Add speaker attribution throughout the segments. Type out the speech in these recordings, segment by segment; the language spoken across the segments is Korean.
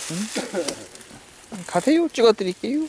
Speaker 1: 가세요. 찍어드릴게요.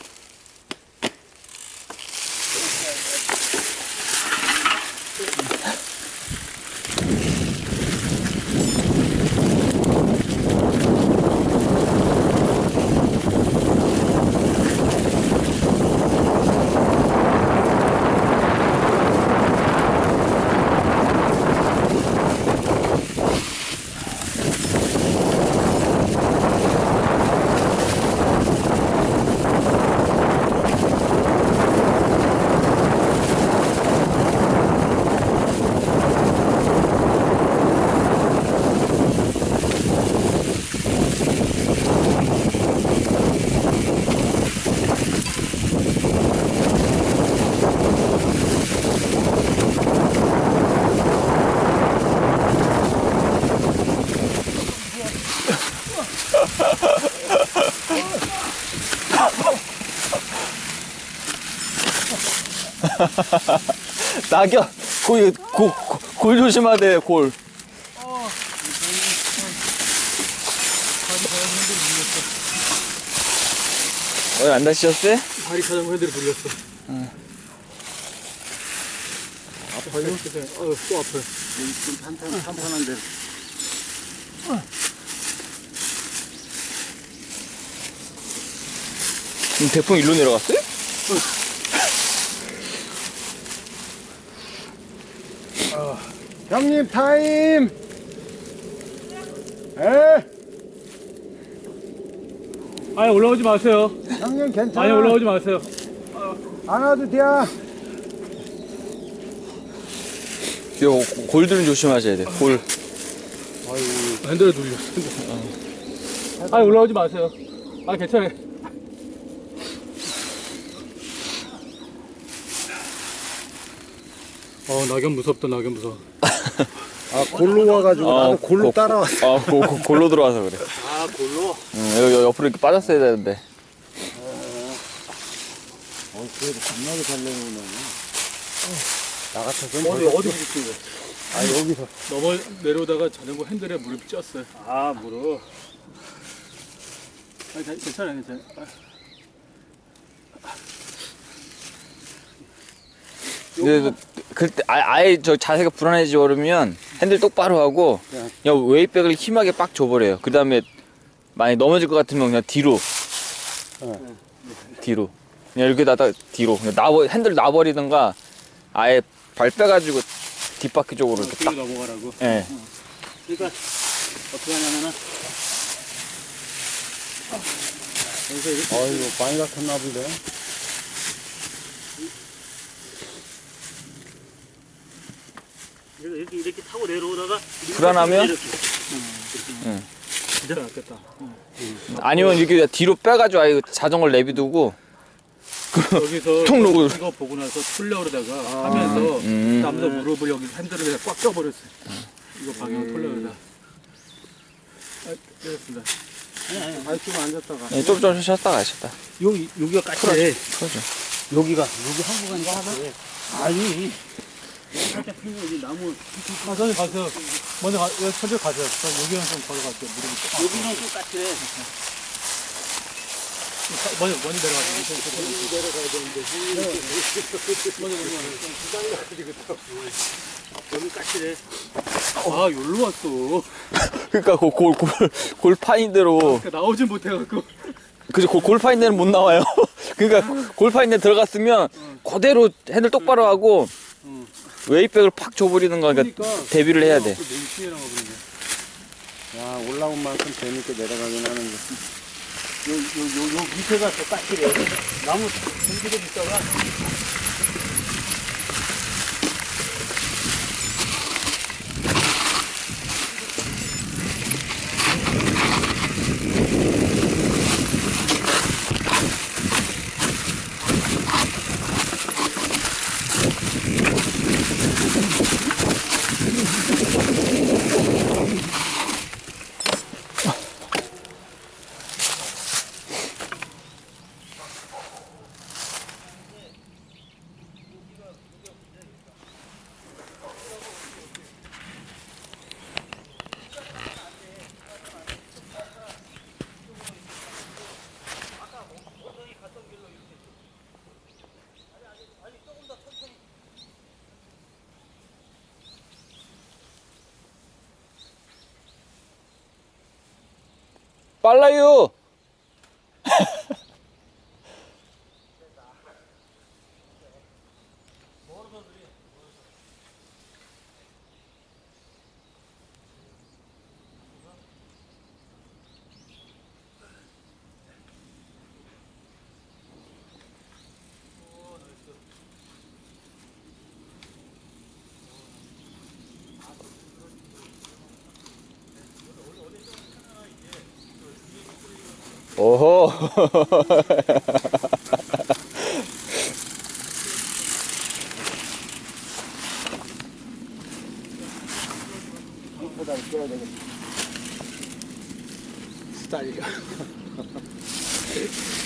Speaker 1: 낙엽, 골 조심하대, 골. 안 다치셨어요?
Speaker 2: 다리 자전거 핸들이 돌렸어. 아파요? 또 아파요.
Speaker 3: 좀 탄탄한데.
Speaker 1: 대풍 일로 내려갔어요?
Speaker 3: 형님 타임. 에?
Speaker 2: 아니 올라오지 마세요.
Speaker 3: 형님 괜찮아.
Speaker 2: 아니 올라오지 마세요.
Speaker 3: 안 와도 돼.
Speaker 1: 이거 골들은 조심하셔야 돼. 골.
Speaker 2: 핸들에 돌렸어. 아니 올라오지 마세요. 아 괜찮아요. 낙엽 무섭다. 낙엽 무서워.
Speaker 3: 아 골로 와가지고 나도 골로 따라왔어.
Speaker 1: 골로 들어와서 그래.
Speaker 2: 아 골로?
Speaker 1: 여기 옆으로 이렇게 빠졌어야 되는데.
Speaker 3: 그래도 겁나게 잘 내려오네. 나 같아서는
Speaker 2: 어디 부딪힌 거야?
Speaker 3: 아 여기서.
Speaker 2: 넘어 내려오다가 자전거 핸들에 무릎이 쪘어요. 아 무릎. 아니 괜찮아요. 괜찮아요.
Speaker 1: 근데 그때 아예 저 자세가 불안해지지 그러면 핸들 똑바로 하고 그냥 웨이백을 힘하게 빡 줘버려요. 그 다음에 만약 넘어질 것 같으면 그냥 뒤로. 뒤로. 그냥 이렇게 놔다 뒤로. 그냥 핸들 놔버리든가 아예 발 빼가지고 뒷바퀴 쪽으로 이렇게 딱.
Speaker 2: 넘어가라고.
Speaker 1: 예.
Speaker 2: 그러니까 어떻게 하냐면은 여기서 이렇게
Speaker 3: 아이고 많이 다쳤나 본데.
Speaker 2: 이렇게 타고 내려오다가
Speaker 1: 불안하면?
Speaker 2: 이렇게. 응. 진짜 낫겠다.
Speaker 1: 아니면 이렇게 뒤로 빼가지고 아예 자전거를 내비두고
Speaker 2: 여기서
Speaker 1: 통 놓고.
Speaker 2: 이거 보고 나서 풀려 그러다가 하면서 남자 무릎을 여기 핸들을 그냥 꽉 껴버렸어요. 이거 방향 털려 그러다. 아, 되었습니다.
Speaker 3: 아니 좀 앉았다가.
Speaker 1: 예, 좀 쉬었다 가셨다.
Speaker 2: 여기가 까칠해.
Speaker 1: 그러죠.
Speaker 3: 여기 한 구간인가 하나? 아니.
Speaker 2: 살짝 풀려 여기 나무. 아, 선생님 가세요. 먼저 천천히 가세요. 여기는 좀 걸어갈게요. 무릎이. 여기는 좀 까칠해. 먼저 내려가세요. 내려가야 되는데. 여기 까칠해. 아, 여기로 왔어.
Speaker 1: 그러니까 골파인 대로.
Speaker 2: 그러니까 나오진 못해갖고.
Speaker 1: 그죠, 골파인 데는 못 나와요. 그러니까 골파인 데 들어갔으면 그대로 핸들 똑바로 하고 웨이백을 팍 줘버리는 거. 그러니까 대비를 해야 돼.
Speaker 3: 야 올라온 만큼 재밌게 내려가긴 하는데.
Speaker 2: 요 밑에가 더 까칠해. 나무 전기도 있다가.
Speaker 1: 빨라요. 오호.
Speaker 3: 보다 깨야 되겠다.
Speaker 2: 스타일이가.